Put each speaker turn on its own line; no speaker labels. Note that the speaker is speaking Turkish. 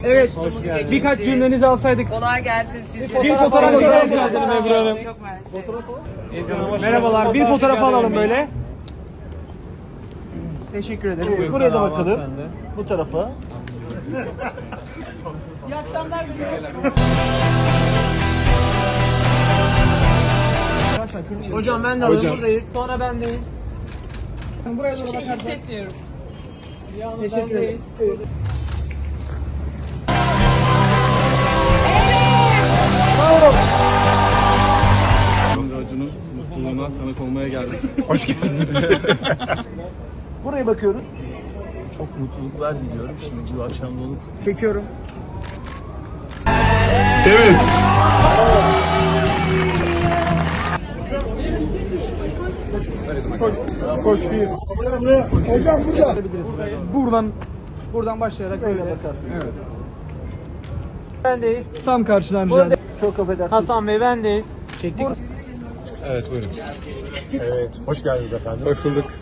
Evet, birkaç cümlenizi alsaydık.
Kolay gelsin size.
Bir fotoğraf rica ederim Ebru Hanım.
Çok mersi.
Merhabalar, bir fotoğraf alalım böyle. Teşekkür ederim.
Buraya da bakalım. Bu tarafa.
İyi akşamlar.
Hocam ben de alalım, buradayız. Sonra bendeyiz. Buraya doğru bakarsan.
Hissetmiyorum.
Teşekkür ederiz.
Acun'un mutluluğuna tanık olmaya geldik.
Hoş geldiniz.
Buraya bakıyoruz.
Çok mutluluklar diliyorum. Şimdi bu akşam da olup
Çekiyorum.
Evet.
koş bir.
Hocam buradan başlayarak böyle bakarsın. Evet. Bendeyiz. Tam karşıdan rica ederim. Çok affedersiniz. Hasan Bey bendeyiz. Çektik.
Evet buyurun.
Evet. Hoş geldiniz efendim.
Hoş bulduk.